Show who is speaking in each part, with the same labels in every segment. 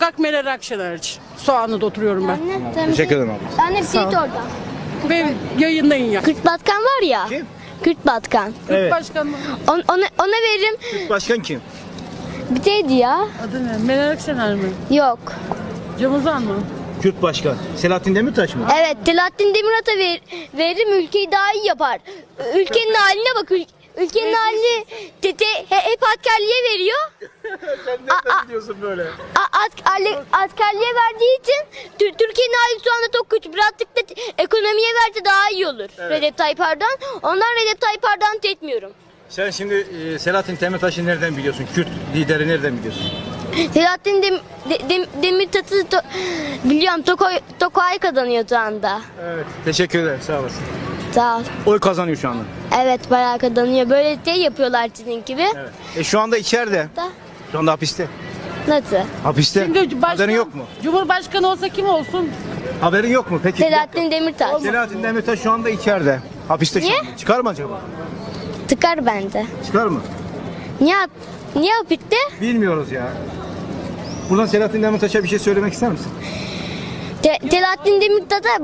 Speaker 1: Muhakkak Meral Akşener'ci. Soğanlı'da oturuyorum ben.
Speaker 2: Teşekkür ederim abi.
Speaker 3: Ben hep Seyit orada.
Speaker 1: Ve yayınlayın ya.
Speaker 3: Kürt Batkan var ya.
Speaker 2: Kim?
Speaker 3: Kürt Batkan.
Speaker 2: Evet.
Speaker 1: Başkan mı?
Speaker 3: Ona veririm.
Speaker 2: Başkan kim?
Speaker 3: Bir şeydi ya.
Speaker 1: Adı ne? Meral Akşener mi?
Speaker 3: Yok.
Speaker 1: Cem Uzan mı?
Speaker 2: Kürt başkan. Selahattin Demirtaş mı?
Speaker 3: Evet, Selahattin Demirtaş'a veririm, ülkeyi daha iyi yapar. Ülkenin haline bak. Ülkenin halini hep askerliğe veriyor.
Speaker 2: Sen nereden biliyorsun böyle?
Speaker 3: Askerliğe verdiği için Türkiye'nin hali şu anda çok kötü. Birazcık da ekonomiye verse daha iyi olur. Recep Tayyip Erdoğan. Ondan Recep Tayyip Erdoğan'ı etmiyorum.
Speaker 2: Sen şimdi Selahattin Demirtaş'ı nereden biliyorsun? Kürt lideri nereden biliyorsun?
Speaker 3: Selahattin Demirtaş'ı biliyorum. Tokay kazanıyor şu anda.
Speaker 2: Evet. Teşekkür ederim. Sağ olasın.
Speaker 3: Sağ ol.
Speaker 2: Oy kazanıyor şu anda.
Speaker 3: Evet, bayağı kazanıyor. Böyle şey yapıyorlar sizin gibi.
Speaker 2: Evet. Şu anda içeride.
Speaker 3: Da.
Speaker 2: Şu anda hapiste.
Speaker 3: Nasıl?
Speaker 2: Hapiste.
Speaker 1: Şimdi başkan,
Speaker 2: Haberin yok mu?
Speaker 1: Cumhurbaşkanı olsa kim olsun?
Speaker 2: Haberin yok mu? Peki.
Speaker 3: Selahattin Demirtaş.
Speaker 2: Selahattin Demirtaş şu anda içeride. Hapiste şu
Speaker 3: Niye?
Speaker 2: anda. Çıkar mı acaba?
Speaker 3: Tıkar bence.
Speaker 2: Çıkar mı?
Speaker 3: Niye bitti?
Speaker 2: Bilmiyoruz ya. Buradan Selahattin Demirtaş'a bir şey söylemek ister misin?
Speaker 3: Selahattin Demirtaş'a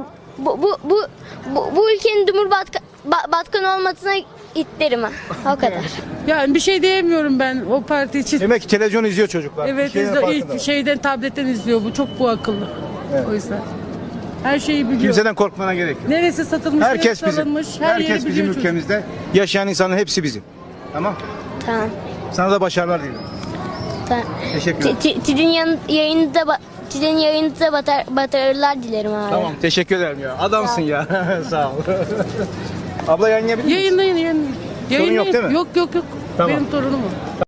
Speaker 3: bu ülkenin Cumhurbaşkanı olmasına isterim ha. O kadar.
Speaker 1: Yani bir şey diyemiyorum ben o parti için.
Speaker 2: Demek ki televizyon izliyor çocuklar.
Speaker 1: Evet,
Speaker 2: Bir şeylerin farkında.
Speaker 1: ilk şeyden tabletten izliyor bu. Çok bu akıllı.
Speaker 2: Evet.
Speaker 1: O yüzden. Her şeyi biliyor.
Speaker 2: Kimseden korkmana gerek yok.
Speaker 1: Neresi satılmış,
Speaker 2: Herkes
Speaker 1: neresi
Speaker 2: bizim.
Speaker 1: alınmış, her
Speaker 2: Herkes
Speaker 1: yeri
Speaker 2: bizim
Speaker 1: biliyor çocuk.
Speaker 2: ülkemizde. Yaşayan insanın hepsi bizim. Tamam.
Speaker 3: Tamam.
Speaker 2: Sana da başarılar dilerim.
Speaker 3: Tamam.
Speaker 2: Teşekkür ederim.
Speaker 3: Sizin yayınınıza başarılar dilerim abi.
Speaker 2: Tamam. Teşekkür ederim ya. Adamsın ya. Sağ ol. Abla yayınlayabilir misin?
Speaker 1: Yayınlayın.
Speaker 2: Sorun yok değil mi?
Speaker 1: Yok.
Speaker 2: Tamam.
Speaker 1: Benim torunum o.